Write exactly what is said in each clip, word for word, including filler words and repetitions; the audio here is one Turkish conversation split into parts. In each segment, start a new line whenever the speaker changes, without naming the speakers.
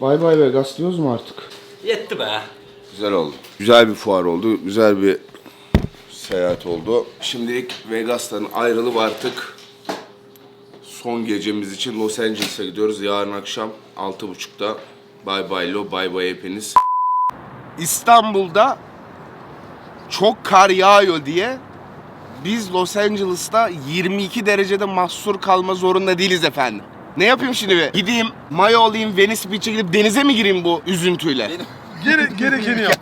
Bay bay Vegas diyoruz mu artık?
Yetti be.
Güzel oldu. Güzel bir fuar oldu. Güzel bir seyahat oldu. Şimdilik Vegas'tan ayrılıp artık son gecemiz için Los Angeles'a gidiyoruz. Yarın akşam altı buçukta. Bay bay lo, bay bay hepiniz. İstanbul'da çok kar yağıyor diye biz Los Angeles'ta yirmi iki derecede mahsur kalma zorunda değiliz efendim. Ne yapayım şimdi be? Gideyim, mayo alayım, Venice Beach'e gidip denize mi gireyim bu üzüntüyle?
Gere gerekeni yap.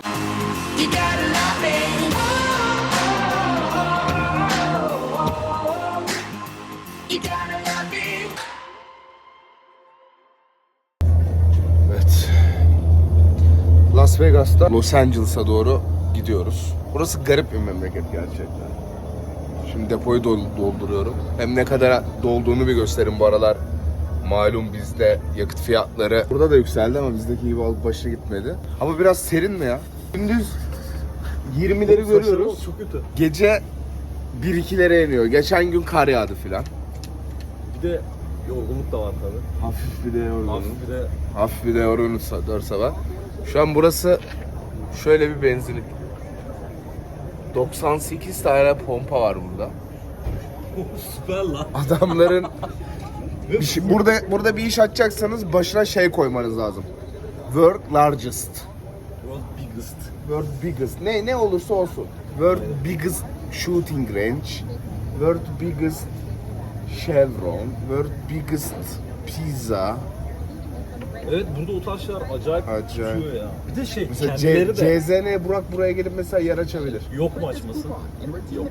Evet. Las Vegas'ta Los Angeles'a doğru gidiyoruz. Burası garip bir memleket gerçekten. Şimdi depoyu dolduruyorum. Hem ne kadar dolduğunu bir gösterin bu aralar. Malum bizde yakıt fiyatları burada da yükseldi ama bizdeki gibi alıp başına gitmedi. Ama biraz serin mi ya? Gündüz yirmileri görüyoruz.
Çok kötü.
Gece bir ikilere iniyor. Geçen gün kar yağdı filan.
Bir de yorgunluk da var tabii.
Hafif bir de yorgunluk.
Hafif bir de
Hafif bir de yorgunluk dört sabah. Şu an burası şöyle bir benzinlik. doksan sekiz tane pompa var burada.
süper lan.
Adamların bir şey, burada burada bir iş açacaksanız başına şey koymanız lazım. World largest.
World biggest.
World biggest. Ne ne olursa olsun. World biggest shooting range. World biggest Chevron. World biggest pizza.
Evet, burada o tarz şeyler acayip,
Acayip.
tutuyor ya. Bir de şey,
Mesela
kendileri
C-
de
CZN Burak buraya gelip mesela yer açabilir.
yok mu açması? Yok.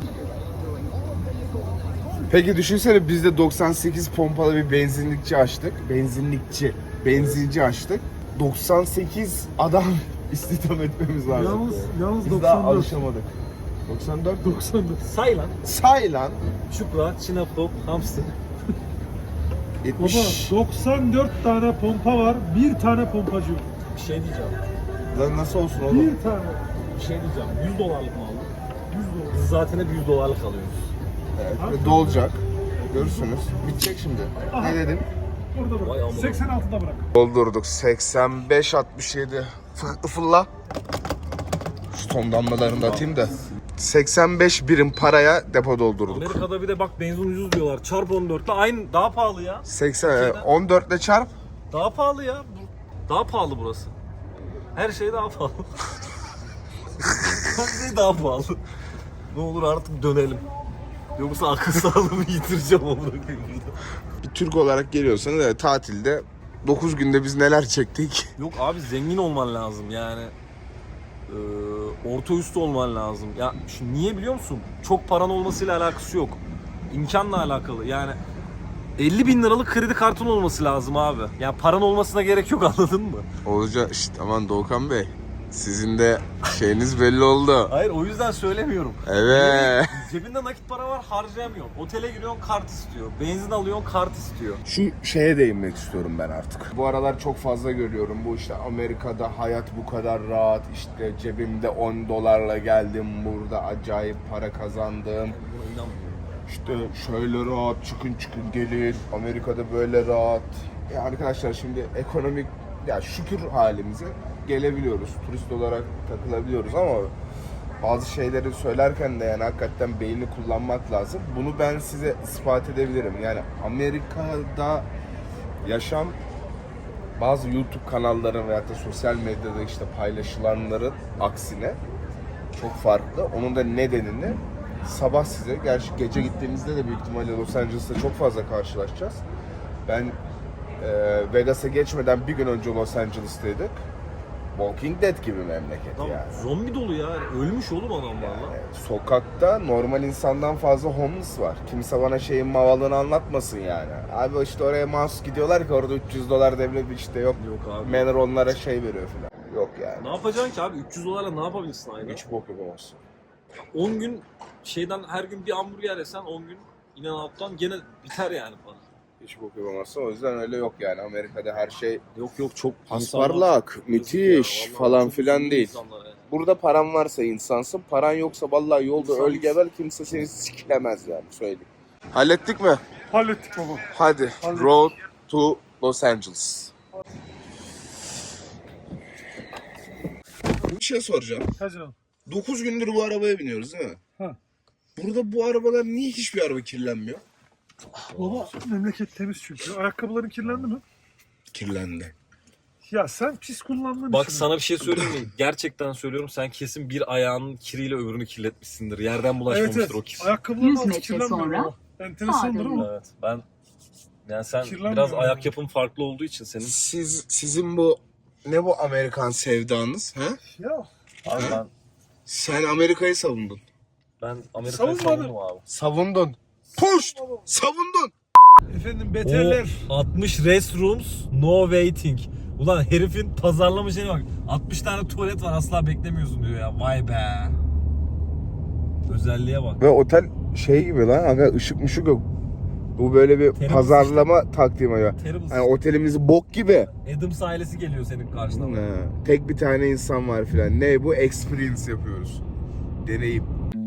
Peki düşünsene biz de doksan sekiz pompalı bir benzinlikçi açtık. Benzinlikçi. Benzinci açtık. doksan sekiz adam istihdam etmemiz lazım.
Yalnız, yalnız
Biz
doksan
daha
dört.
alışamadık. doksan dört
doksan dört.
Say lan.
Say lan.
Çupra, Çinapop, Hamster.
Baba
yetmiş.
doksan dört tane pompa var, bir tane pompacı yok.
Bir şey diyeceğim.
Lan nasıl olsun oğlum?
Bir tane.
Bir şey diyeceğim. yüz dolarlık mı aldın?
yüz dolar.
Biz zaten hep yüz dolarlık alıyoruz.
Evet, ve dolacak. Görürsünüz. Bitecek şimdi.
Aha.
Ne dedim?
Orada
Vay
bırak.
amına.
seksen altıda bırak.
Doldurduk. seksen beş altmış yedi. Fı- Fılla. Şu ton damlalarını da atayım da. seksen beş birim paraya depo doldurduk.
Amerika'da bir de bak benzin ucuz diyorlar. Çarp on dörtle aynı, daha pahalı ya.
seksen on dört ile çarp.
Daha pahalı ya. Bu- Daha pahalı burası. Her şey daha pahalı. Her şey daha pahalı. Ne olur artık dönelim. Yoksa akıl sağlığımı yitireceğim onu burada.
Bir Türk olarak geliyorsanız evet, tatilde dokuz günde biz neler çektik.
Yok abi, zengin olman lazım yani. Ee, orta üstü olman lazım. Ya şimdi niye biliyor musun? Çok paran olmasıyla alakası yok. İmkanla alakalı. Yani elli bin liralık kredi kartın olması lazım abi. Ya paran olmasına gerek yok, anladın mı?
Olacak işte, aman Doğukan Bey. Sizin de şeyiniz belli oldu.
Hayır, o yüzden söylemiyorum.
Evet.
Cebinde nakit para var, harcayamıyorsun. Otele giriyorsun, kart istiyor. Benzin alıyorsun, kart istiyor.
Şu şeye değinmek istiyorum ben artık. Bu aralar çok fazla görüyorum. Bu işte Amerika'da hayat bu kadar rahat. İşte cebimde on dolarla geldim. Burada acayip para kazandım.
Buna inanmıyorum.
İşte şöyle rahat çıkın çıkın gelin. Amerika'da böyle rahat. Ya arkadaşlar şimdi ekonomik, ya şükür halimize gelebiliyoruz. Turist olarak takılabiliyoruz ama bazı şeyleri söylerken de yani hakikaten beyni kullanmak lazım. Bunu ben size ispat edebilirim. Yani Amerika'da yaşam bazı YouTube kanalların veyahut da sosyal medyada işte paylaşılanların aksine çok farklı. Onun da nedenini sabah size, gerçi gece gittiğimizde de büyük ihtimalle Los Angeles'ta çok fazla karşılaşacağız. Ben e, Vegas'a geçmeden bir gün önce Los Angeles'taydık. Walking Dead gibi memleket
Tamam,
yani.
zombi dolu ya. Ölmüş oğlum adamlar lan.
Yani sokakta normal insandan fazla homeless var. Kimse bana şeyin mavalını anlatmasın yani. Abi işte oraya mahsus gidiyorlar ki orada üç yüz dolar devlet işte yok.
Yok abi.
Manor onlara şey veriyor falan. Yok yani.
Ne yapacaksın ki abi? üç yüz dolarla ne yapabilirsin aynı?
Hiç bok yapamazsın.
on gün şeyden her gün bir hamburger yesen on gün In-N-Out'tan gene biter yani para.
Hiç bok yapamazsın. O yüzden öyle yok yani. Amerika'da her şey
Yok yok, çok
pasparlak, müthiş
ya,
falan
çok
filan
üzüldüm
değil.
insanlara yani.
Burada paran varsa insansın, paran yoksa vallahi yolda
İnsan-
öl geber, kimse seni siklemez yani, söyleyeyim. Hallettik mi?
Hallettik baba.
Hadi.
Hallettik.
Road to Los Angeles. bir şey soracağım.
Ha canım.
dokuz gündür bu arabaya biniyoruz değil mi?
Ha.
Burada bu arabalar niye hiçbir araba kirlenmiyor?
Baba memleket temiz çünkü. Ayakkabıların kirlendi mi?
Kirlendi.
Ya sen pis kullandın.
Bak sana bir şey söyleyeyim mi? Gerçekten söylüyorum, sen kesin bir ayağının kiriyle öbürünü kirletmişsindir. Yerden
Evet
bulaşmamıştır
evet.
o kir.
Ayakkabıların
yüz
altı
metre
kirlenmiyor
sonra
ama. Enteresandır ama.
Evet, ben yani sen
Kirlenmiyor
biraz
yani.
ayak yapın farklı olduğu için senin.
Siz sizin bu ne bu Amerikan sevdanız? Ha?
Ya
Abi ben
Sen Amerika'yı savundun.
ben Amerika'yı
Savunmadım.
savundum abi.
Savundun. Push! Savundun.
efendim beterler.
O altmış restrooms no waiting. Ulan herifin pazarlama şeyine bak. altmış tane tuvalet var, asla beklemiyorsun diyor ya. Vay be. Özelliğe bak.
Ve otel şey gibi lan, aga ışık mışık yok. Bu böyle bir
Terrible
pazarlama taktiği ya.
Terrible.
Yani otelimiz bok gibi.
Adams ailesi geliyor senin karşına.
Ha, tek bir tane insan var filan. Ne bu? Experience yapıyoruz. Deneyim.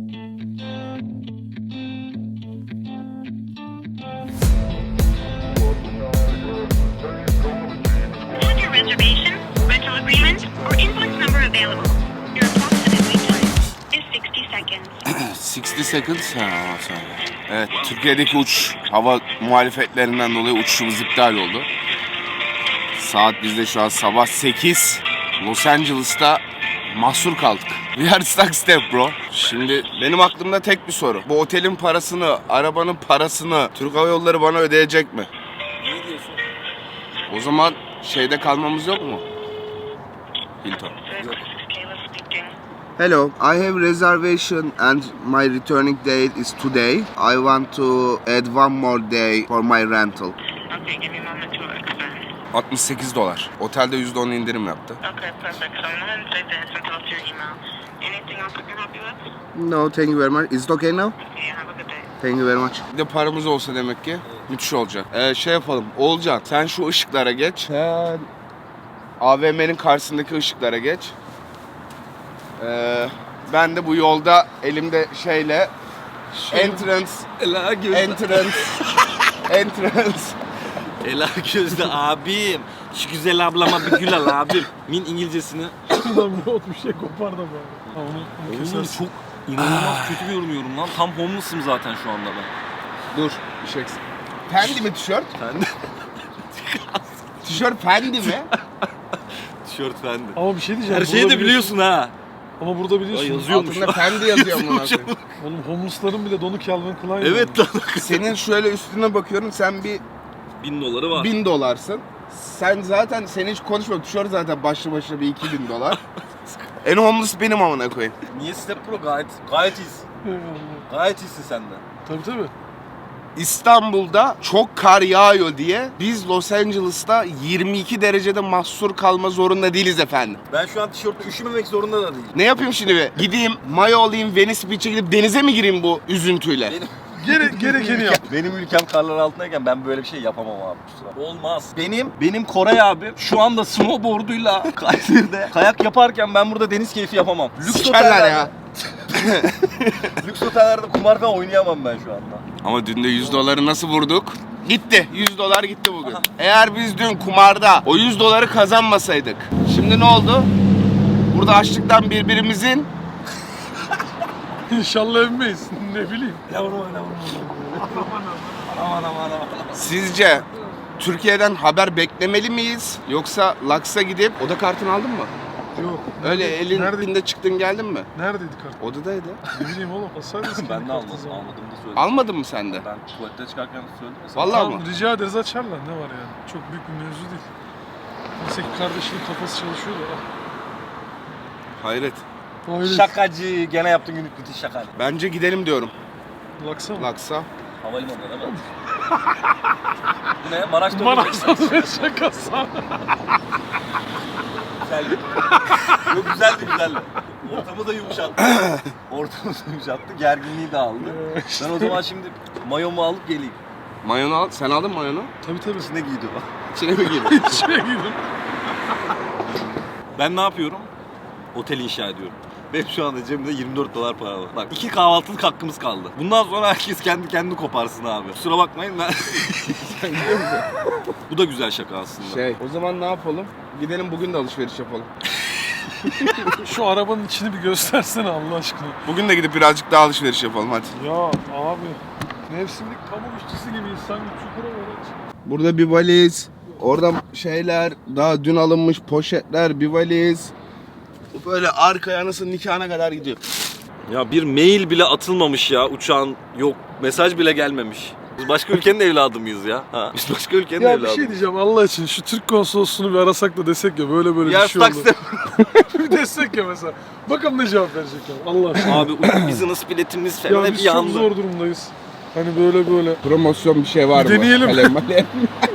Have your reservation, rental agreement, or invoice number available. Your approximate wait time is sixty seconds.
altmış seconds. Ha, sonra. Evet, Türkiye'deki uç hava muhalefetlerinden dolayı uçuşumuz iptal oldu. Saat bizde şu an sabah sekiz. Los Angeles'ta mahsur kaldık. We are stuck step bro. Şimdi benim aklımda tek bir soru. Bu otelin parasını, arabanın parasını Türk Hava Yolları bana ödeyecek mi?
Ne diyorsun?
O zaman şeyde kalmamız yok mu? Hilton.
Kayla speaking.
Hello, I have reservation and my returning date is today. I want to add one more day for my rental.
Okay, give me a moment to explain.
altmış sekiz dolar. Otelde yüzde on indirim yaptı.
Okay, perfect. So I'm going to save this and post your email. Anything else I can help you with?
No, thank you very much. Is it okay now?
Okay, have a good day.
Thank you very much. Bir de paramız olsa demek ki müthiş olacak. Ee, şey yapalım. Oğulcan sen şu ışıklara geç. Sen A V M'nin karşısındaki ışıklara geç. Ee, ben de bu yolda elimde şeyle entrance,
Ela gözlü.
entrance, entrance.
Ela gözlü abim. Şu güzel ablama bir gül al abim. Min İngilizcesini.
Şuradan bir ot bir şey kopar da bari. Ha, onu, onu
Oğlum
kesersin.
çok inanılmaz kötü görünüyorum lan. Tam homeless'ım zaten şu anda ben.
Dur, bir şey eksik. Fendi mi tişört?
Fendi.
Tişört Fendi mi?
Tişört fendi.
Ama bir şey diyeceğim.
Her şeyi
burada
de biliyorsun ha.
Ama burada biliyorsun.
Ay, yazıyormuş.
Altında Fendi yazıyor amına koyayım.
Oğlum homeless'ların bile donu Calvin Klein.
Evet lan.
Senin şöyle üstüne bakıyorum, sen bir
Bin doları var.
bin dolarsın. Sen zaten, sen hiç konuşma, tişört zaten başlı başına bir iki bin dolar. En homeless benim amına koyayım.
Niye Step Pro gayet gayet iyisin.
Eyvallah.
Gayet iyisin sen de.
Tabii tabii.
İstanbul'da çok kar yağıyor diye biz Los Angeles'ta yirmi iki derecede mahsur kalma zorunda değiliz efendim.
Ben şu an tişörtle üşümemek zorunda da değilim.
Ne yapayım şimdi be? Gideyim, mayo alayım, Venice Beach'e gidip denize mi gireyim bu üzüntüyle?
Benim,
Gere, gerekeni yap.
benim ülkem karlar altındayken ben böyle bir şey yapamam abi. kusura. Olmaz. Benim benim Koray abi şu anda snowboard'uyla Kayseri'de kayak yaparken ben burada deniz keyfi yapamam. Lüks
Sikerler
otellerde,
ya.
lüks otellerde kumar falan oynayamam ben şu anda.
Ama dün de yüz doları nasıl vurduk? Gitti. yüz dolar gitti bugün. Eğer biz dün kumarda o yüz doları kazanmasaydık. Şimdi ne oldu? Burada açlıktan birbirimizin
İnşallah övmeyiz. Ne bileyim.
Yavrum yavrum. Aman aman aman.
sizce Türkiye'den haber beklemeli miyiz? Yoksa Laks'a gidip oda kartını aldın mı?
Yok.
Öyle elin
Nerede?
elinde çıktın geldin mi?
Neredeydi kart?
Odadaydı.
Ne bileyim oğlum. Alsaydınız
Ben de
kartı
almadım.
zaman.
Almadım da söyledim.
Almadın mı sen de?
Ben tuvalette çıkarken söyledim ya sana.
Vallahi
Tamam,
mı?
rica ederiz açarlar. Ne var yani? Çok büyük bir mevzu değil. Neyse ki kardeşinin kafası çalışıyor da.
Hayret.
Öyle.
Şakacı. Gene yaptın günlük müthiş şakacı.
Bence gidelim diyorum
Laksa mı?
Laks'a.
Havalimanında değil mi? Bu ne? Maraş'ta
Maraş'ta bir şakası.
Güzeldi. Yok güzeldi güzeldi. Ortamı da yumuşattı. Ortamı da yumuşattı. Gerginliği de aldı. Ben o zaman şimdi mayomu alıp geleyim.
Mayonu al. Sen aldın mı mayonu?
Tabii tabii.
İçine giydi o.
İçine mi girdin?
İçine girdim.
Ben ne yapıyorum? Otel inşa ediyorum. Benim şu anda cebimde yirmi dört dolar para var. Bak iki kahvaltılık hakkımız kaldı. Bundan sonra herkes kendi kendini koparsın abi. Kusura bakmayın ben... Bu da güzel şaka aslında.
Şey, o zaman ne yapalım? Gidelim bugün de alışveriş yapalım.
Şu arabanın içini bir göstersene Allah aşkına.
Bugün de gidip birazcık daha alışveriş yapalım hadi.
Ya abi mevsimlik pamuk işçisi gibiyiz sanki çukura böyle.
Burada bir valiz, orada şeyler, daha dün alınmış poşetler, bir valiz. Böyle arkaya nasıl nikahına kadar gidiyor.
Ya bir mail bile atılmamış ya, uçağın yok, mesaj bile gelmemiş. Biz başka ülkenin evladı mıyız ya? Ha? Biz başka ülkenin
Ya bir
evladı.
şey diyeceğim Allah için şu Türk konsolosluğunu bir arasak da desek ya böyle böyle
Ya
bir şey oldu.
taksi.
Bir desek ya mesela. Bakalım ne cevap verecekler Allah aşkına.
Abi business biletimiz falan
Ya
hep
biz çok
yandı.
zor durumdayız. Hani böyle böyle.
Promosyon bir şey var
Bir
mı?
deneyelim.
Kalem, malem.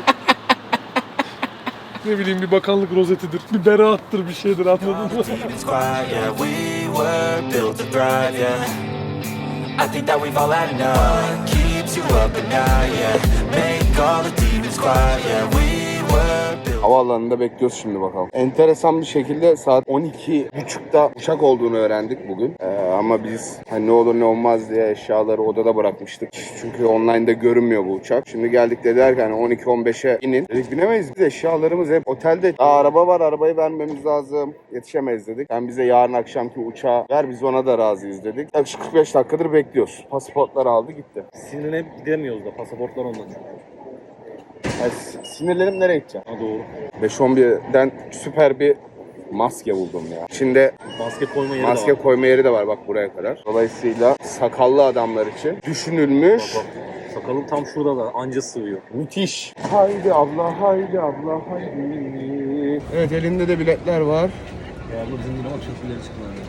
Ne bileyim bir bakanlık rozetidir, bir beraattır bir şeydir anladın mı?
It's quiet, yeah, we were built to thrive, yeah. I think that we've all had enough. Keeps you up at night, yeah. Make all the demons quiet, yeah, we were built.
Havaalanında bekliyoruz şimdi bakalım. Enteresan bir şekilde saat on iki buçukta uçak olduğunu öğrendik bugün. Ee, ama biz hani ne olur ne olmaz diye eşyaları odada bırakmıştık. Çünkü online'da görünmüyor bu uçak. Şimdi geldik dediler ki hani on iki on beşe inin. Dedik binemeyiz. Biz eşyalarımız hep otelde. Aa, araba var, arabayı vermemiz lazım. Yetişemeyiz dedik. Sen bize yarın akşamki uçağı ver, biz ona da razıyız dedik. Yaklaşık kırk beş dakikadır bekliyoruz. Pasaportları aldı gitti.
Sinirlenip gidemiyoruz da, pasaportlar ondan.
Yani sinirlerim nereye gideceğim?
Ha doğru.
beş on birden süper bir maske buldum ya. İçinde
Maske koyma yeri
maske
de var.
koyma yeri de var bak buraya kadar. Dolayısıyla sakallı adamlar için düşünülmüş.
Bak, bak. Sakalım tam şurada da anca sığıyor.
Müthiş. Haydi abla, haydi abla, haydi. Evet, elinde de biletler var.
Ya bu bizim bak çok ileri çıkmadı.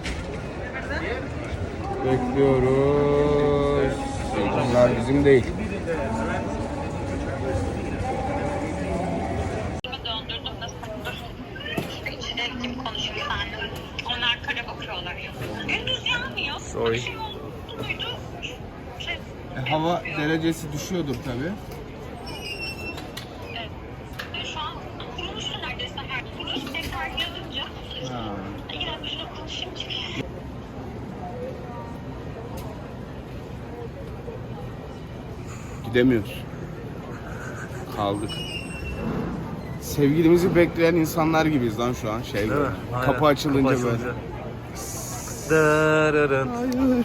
Bekliyoruz. Bunlar bizim değil.
Döndürdüm de dur. İşte içine kim konuşuyor sandım. Onlar kara bakıyorlar ya. Gündüz yanmıyor.
Sorry.
Akşam oldu muydu? Şey,
E, hava derecesi düşüyordur tabii.
e, şu an kuruluştu neredeyse her kuruluş tekrar yazınca.
Ha.
Yine şuna konuşayım çıkıyor.
Gidemiyoruz. Kaldık. Sevgilimizi bekleyen insanlar gibiyiz lan şu an. Şey böyle. Kapı açılınca böyle.
Hayır.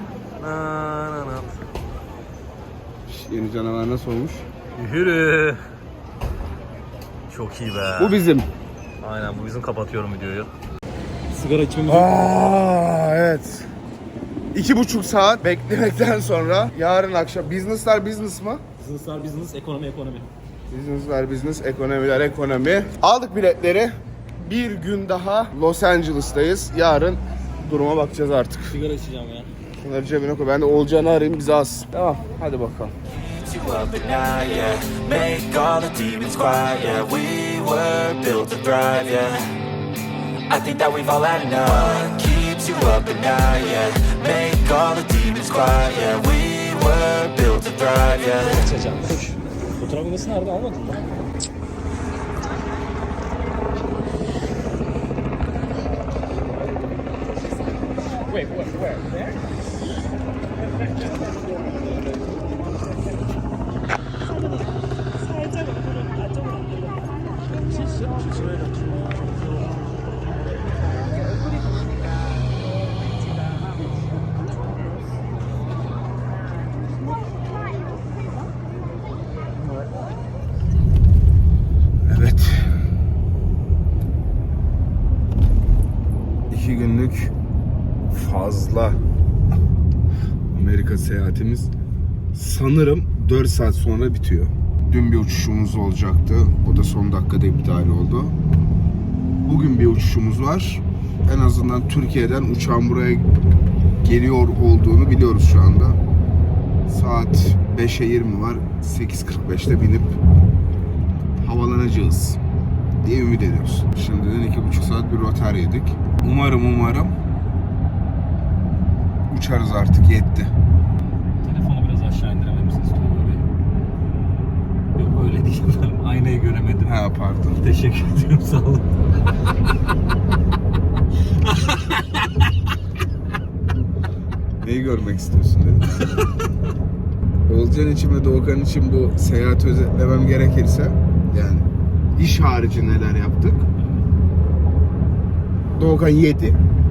Yeni canavar nasıl olmuş?
Yürü. Çok iyi be.
Bu bizim.
Aynen, bu bizim, kapatıyorum videoyu. Sigara içmemiz
Aa evet. İki buçuk saat beklemekten sonra yarın akşam business'lar business mı?
Business'lar business, ekonomi ekonomi.
Business'lar business, ekonomiler ekonomi. Aldık biletleri. Bir gün daha Los Angeles'tayız. Yarın duruma bakacağız artık.
Sigara içeceğim ya.
Şunları cebine koy. Ben de Olcan'ı arayayım, bize alsın. Tamam, hadi bakalım.
Keeps you up at night, yeah. Make all the demons quiet, yeah. We were built to thrive, yeah. I think that we've all had enough. Keeps you up at night, yeah. Make all the demons quiet, yeah. We were built to thrive, yeah.
Açacağım. Koş. Fotoğraf makinesi nerede, almadın mı? Wait, what, where? There?
Evet. İki günlük fazla Amerika seyahatimiz sanırım dört saat sonra bitiyor. Dün bir uçuşumuz olacaktı. O da son dakikada iptal oldu. Bugün bir uçuşumuz var. En azından Türkiye'den uçağın buraya geliyor olduğunu biliyoruz şu anda. Saat beşe yirmi var. sekiz kırk beşte binip havalanacağız diye ümit ediyoruz. Şimdiden iki buçuk saat bir rotar yedik. Umarım umarım uçarız artık, yetti.
Telefonu biraz aşağı indirebilir misiniz? Yok öyle değil. Aynayı göremedim.
Ha pardon.
Teşekkür ediyorum, sağ olun.
Neyi görmek istiyorsun dedim. Olcan için ve Doğukan için bu seyahati özetlemem gerekirse yani iş harici neler yaptık? Doğukan yedi.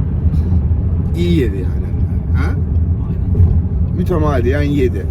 İyi yedi yani. Ha? Mütemadiyen yedi.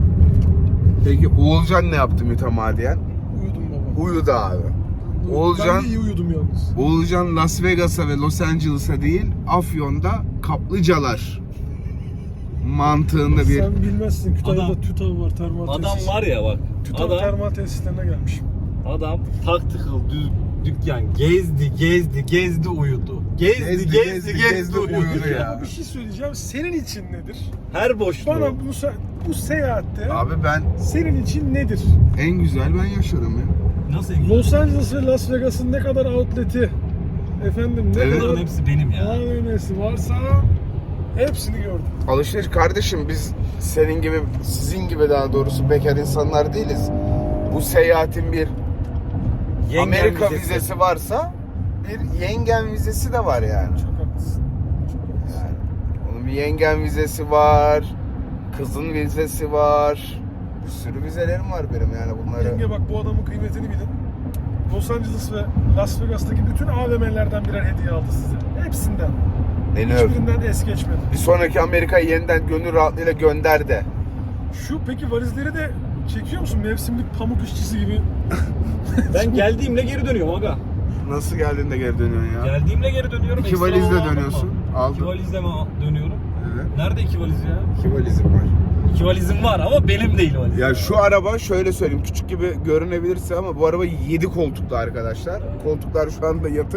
Peki Oğulcan ne yaptı mütemadiyen?
Uyudum baba.
Uyudu abi. Oğulcan,
Ben de iyi uyudum yalnız.
Oğulcan Las Vegas'a ve Los Angeles'a değil, Afyon'da kaplıcalar mantığında bir...
Sen bilmezsin. Kütahya'da
Adam-
TÜTAV var, termal
Adam
tesis.
var ya bak.
TÜTAV
Adam,
termal tesislerine gelmişim.
adam taktikal düz dükkan gezdi, gezdi, gezdi uyudu. Gezdi, gezdi, gezdi, gezdi, uyudu ya.
Ama bir şey söyleyeceğim. Senin için nedir?
Her boşluğu.
Bana bu, se- bu seyahatte
Abi ben
senin için nedir?
en güzel ben yaşarım ya.
Nasıl?
Los Angeles ve Las Vegas'ın ne kadar outlet'i, efendim ne
Evet.
kadar
Bunların hepsi benim ya.
A V M'si varsa hepsini gördüm.
Alışveriş kardeşim, biz senin gibi, sizin gibi daha doğrusu bekar insanlar değiliz. Bu seyahatin bir
Yengen
Amerika
vizesi.
vizesi varsa bir yengen vizesi de var yani.
Çok haklısın.
Yani onun bir yengen vizesi var, kızın vizesi var. Bir sürü vizelerim var benim yani bunları.
Yenge bak, bu adamın kıymetini bilin. Los Angeles ve Las Vegas'taki bütün A V M'lerden birer hediye aldı size. Hepsinden.
Beni öp.
Hiçbirinden de es geçmedi.
Bir sonraki Amerika'yı yeniden gönül rahatlığıyla gönder de.
Şu peki valizleri de çekiyor musun? Mevsimlik pamuk işçisi gibi.
Ben geldiğimle geri dönüyorum aga.
Nasıl geldin de geri dönüyorsun ya?
Geldiğimle geri dönüyorum.
İki
Ekstra
valizle
aldım
dönüyorsun.
mı?
Aldın.
İki valizle mi dönüyorum?
Evet.
Nerede iki valiz ya?
İki valizim var.
İki valizim var ama benim değil valiz.
Ya şu araba şöyle söyleyeyim, küçük gibi görünebilirse ama bu araba yedi koltuklu arkadaşlar. Koltuklar şu anda yatık.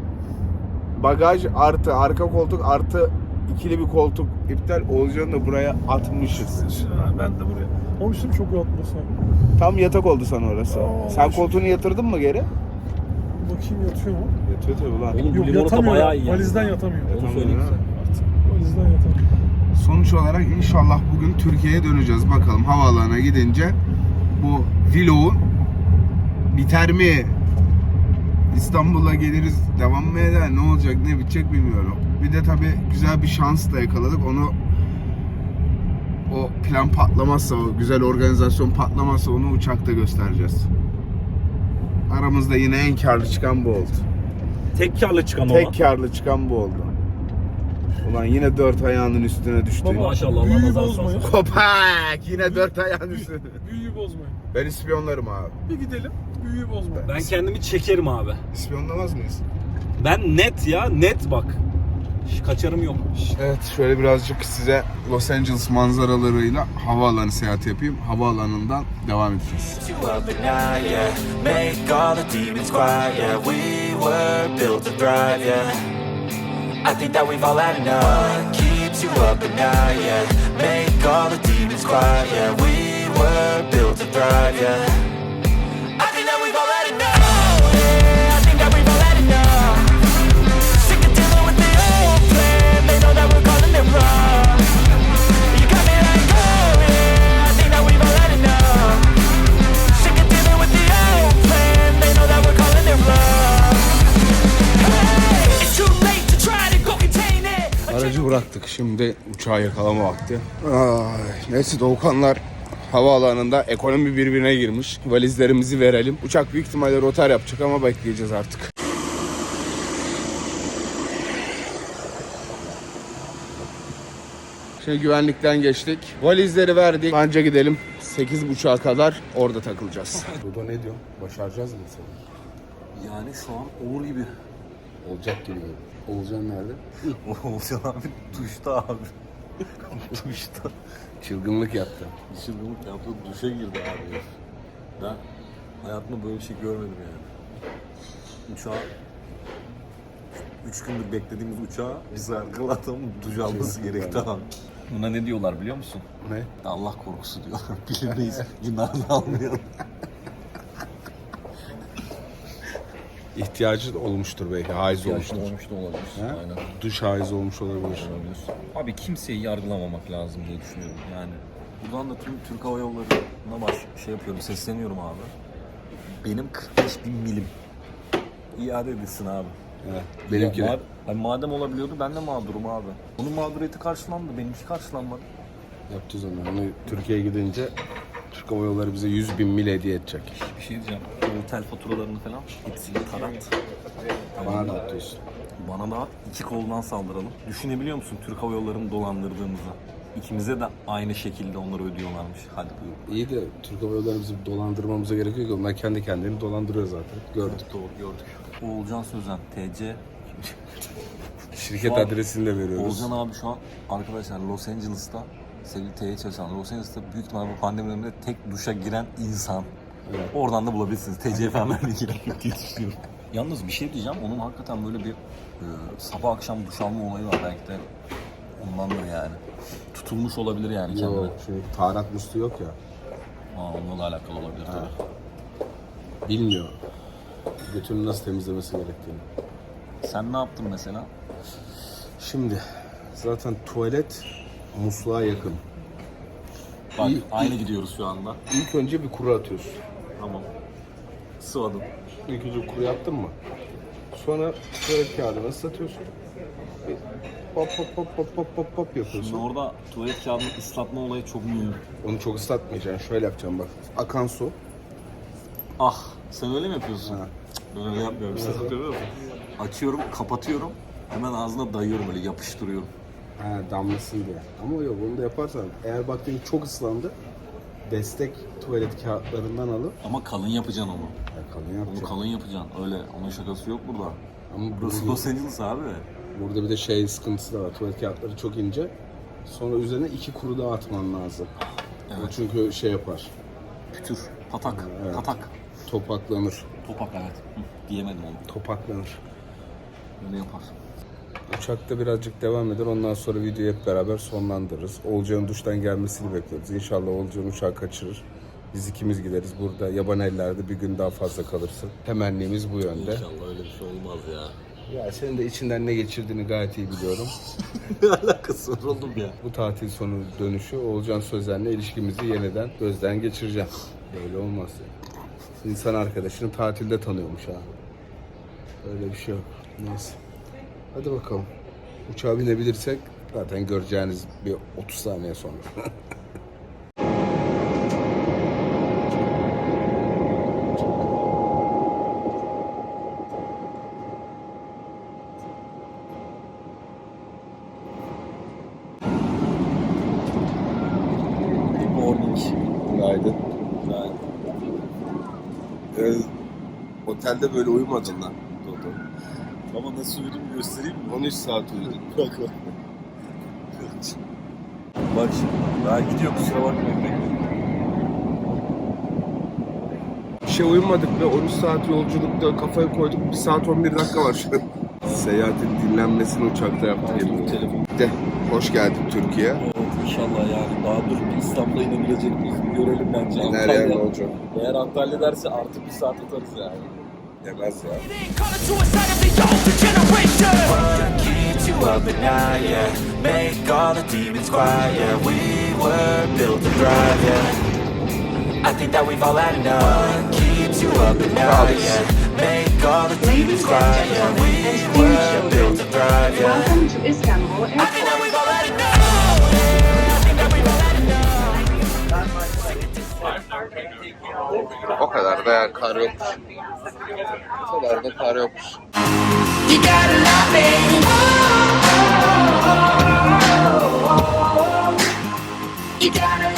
Bagaj artı arka koltuk artı ikili bir koltuk iptal. Oğuzcan'ı da buraya atmışız.
Ha, ben de buraya. Olmuştum çok rahatlasam.
Tam yatak oldu sana orası.
Aa,
Sen
şu-
koltuğunu yatırdın mı geri?
Bakayım yatıyor mu?
Yatıyor tabii lan.
Oğlum bu
Yok,
limonata
yatamıyor.
bayağı iyi.
Valizden
yani.
yatamıyor.
Onu söyleyeyim
Yatamıyor,
size.
Valizden yatamıyor.
Sonuç olarak inşallah bugün Türkiye'ye döneceğiz. Bakalım havaalanına gidince bu vlogun biter mi? İstanbul'a geliriz, devam mı eder? Ne olacak, ne bitecek bilmiyorum. Bir de tabii güzel bir şans da yakaladık. Onu o plan patlamazsa, o güzel organizasyon patlamazsa onu uçakta göstereceğiz. Aramızda yine en karlı çıkan bu oldu.
Tek karlı çıkan ama.
Tek karlı çıkan bu oldu. Ulan yine dört ayağının üstüne düştü.
Baba,
Maşallah, Allah
büyüyü
nazar
bozmayın.
salsın.
Kopak! Yine dört ayağın üstüne.
Büyüyü bozmayın.
Ben ispiyonlarım abi.
Bir gidelim. Büyüyü bozmayın.
Ben kendimi çekerim abi.
İspiyonlamaz mıyız?
Ben net ya, net bak. Hiç kaçarım yok.
Evet, şöyle birazcık size Los Angeles manzaralarıyla havaalanı seyahati yapayım. Havaalanından devam edeceğiz.
You up at night, yeah. Make all the demons quiet, yeah. We were built to thrive, yeah. I think that we've all had enough. Keeps you up at night, yeah. Make all the demons quiet, yeah. We were built to thrive, yeah. I think that we've all had enough. Yeah, I think that we've all had enough. Sick of dealing with the old plan. They know that we're calling it wrong. You got me like, oh yeah. I think that we've all had enough. Sick of dealing with the old plan. They know that we're calling it wrong. Hey, it's too late to try to go contain it.
Aracı bıraktık. Şimdi uçağı yakalama vakti. Ay, neyse Doğukanlar havaalanında ekonomi birbirine girmiş. Valizlerimizi verelim. Uçak büyük ihtimalle rotar yapacak ama bekleyeceğiz artık. Şimdi güvenlikten geçtik. Valizleri verdik. Bence gidelim. sekiz buçuğa kadar orada takılacağız. Dudo ne diyor? Başaracağız mı seni?
Yani şu an olur gibi.
Olacak gibi. Olcan nerede?
Olcan abi duşta abi. Duşta.
Çılgınlık yaptı.
Çılgınlık yaptı, duşa girdi abi. Ben hayatımda böyle bir şey görmedim yani. Uçağa üç gündür beklediğimiz uçağa biz arkalardan duş alması gerekti abi. Buna ne diyorlar biliyor musun?
Ne?
Allah korkusu diyorlar. Bilinmeyiz. Günahını almayalım.
İhtiyacı olmuştur belki. Haiz olmuştur.
olmuş da olabilir.
Ha?
Aynen.
Duş haiz olmuş olabilir.
Olabilir. Abi kimseyi yargılamamak lazım diye düşünüyorum yani. Buradan da tüm Türk Hava Yolları'na baş şey yapıyorum, sesleniyorum abi. Benim kırk beş bin milim iade edilsin abi.
Evet, benimki
Ya,
de.
ma- hani madem olabiliyordu ben de mağdurum abi. Onun mağduriyeti karşılandı, benimki karşılanmadı.
Yapacağız onu. Onu Türkiye'ye gidince Türk Hava Yolları bize yüz bin mil hediye edecek.
Bir şey diyeceğim. O otel faturalarını falan hepsini tarat.
Bana da atıyorsun.
Bana da iki koldan saldıralım. Düşünebiliyor musun Türk Hava Yolları'nı dolandırdığımızı? İkimize de aynı şekilde onları ödüyorlarmış. Hadi buyur.
İyi de Türk Hava Yolları bizim dolandırmamıza gerek yok ki. Onlar kendi kendilerini dolandırıyor zaten. Gördük.
Doğru gördük. Oğulcan Sözen, T C.
Şirket
Şu an-
adresini de veriyoruz.
Oğulcan abi şu an arkadaşlar Los Angeles'ta, sevgili T C çalışan Los Angeles'ta büyük ihtimalle bu pandemi döneminde tek duşa giren insan.
Evet.
Oradan da bulabilirsiniz. T C falan vermeye gerek yok diye düşünüyorum. Yalnız bir şey diyeceğim. Onun hakikaten böyle bir e, sabah akşam duş alma olayı var. Belki de ondandır yani. Tutulmuş olabilir yani kendine.
Yok, çünkü taharat musluğu yok ya.
Aa, onunla da alakalı olabilir tabii.
Bilmiyor. Götünü nasıl temizlemesi gerektiğini.
Sen ne yaptın mesela?
Şimdi zaten tuvalet musluğa yakın.
Bak
İyi-
aynı gidiyoruz şu anda.
İlk önce bir kuru atıyorsun.
Tamam. Sıvadım.
İlk önce kuru yaptın mı? Sonra tuvalet kağıdını ıslatıyorsun. Bir hop hop hop hop hop hop hop
Şimdi
yapıyorsun.
orada tuvalet kağıdını ıslatma olayı çok mühim.
Onu çok ıslatmayacaksın. Şöyle yapacağım bak. Akan su.
Ah, sen öyle mi yapıyorsun?
Ha.
Cık, Ben öyle yapmıyorum. Sen yapıyor musun? Açıyorum, kapatıyorum. Hemen ağzına dayıyorum böyle yapıştırıyorum.
Ha, damlasın diye. Ama yok, onu da yaparsan eğer baktın ki çok ıslandı, destek tuvalet kağıtlarından alıp
Ama kalın yapacaksın onu.
ya kalın
Onu
yapacaksın.
kalın yapacaksın. Öyle, onun şakası yok burada.
Ama
Burası
burada,
Los Angeles abi.
burada bir de şey sıkıntısı da var. Tuvalet kağıtları çok ince. Sonra üzerine iki kuru daha atman lazım. O
Evet.
çünkü şey yapar.
Pütür, patak,
Evet.
patak.
Topaklanır.
Topak evet. Hı, diyemedim onu.
Topaklanır.
Öyle yapar.
Uçakta birazcık devam eder. Ondan sonra videoyu hep beraber sonlandırırız. Olcan'ın duştan gelmesini bekliyoruz. İnşallah Olcan uçağı kaçırır. Biz ikimiz gideriz. Burada yaban ellerde bir gün daha fazla kalırsın. Temennimiz bu yönde.
İnşallah öyle bir şey olmaz ya.
Ya senin de içinden ne geçirdiğini gayet iyi biliyorum.
Ne alakası var oğlum ya?
Bu tatil sonu dönüşü Oğulcan Sözen'le ilişkimizi yeniden gözden geçireceğim. Böyle olmaz ya. İnsan arkadaşını tatilde tanıyormuş ha. Öyle bir şey yok. Neyse. Hadi bakalım. Uçağa binebilirsek zaten göreceğiniz bir otuz saniye sonra.
Good morning.
Günaydın.
Günaydın.
Ee, otelde böyle uyumadın lan.
Ama nasıl uyuduğumu göstereyim mi?
on üç saat uyudun.
Bak bak. Bak şimdi. Daha gidiyor kusura bakmayın.
Bir şey uyumadık ve on üç saat yolculukta kafaya koyduk. bir saat on bir dakika var şu an. Seyahatin dinlenmesini uçakta yaptık.
Telefon, telefon.
De, hoş geldin Türkiye.
Evet inşallah yani. Daha dur bir İstanbul'a inebilecek miyiz? Bir görelim bence.
Nereye ne olacak?
Eğer Antalya derse artık bir saat atarız yani.
Yemez ya.
Call it suicide of the older generation. What keeps you up at night, yeah? Make all the demons quiet, yeah. We were built to thrive, yeah. I think that we've all had enough. What keeps you up at night, yeah? Make all the demons quiet, yeah. We were built to thrive, yeah.
Welcome to Istanbul
I think that
Airport.
we've all had enough. Yeah, I think that we've all had enough.
O kadar da yani kar yokmuş. O kadar da kar yokmuş.
You gotta love me. You gotta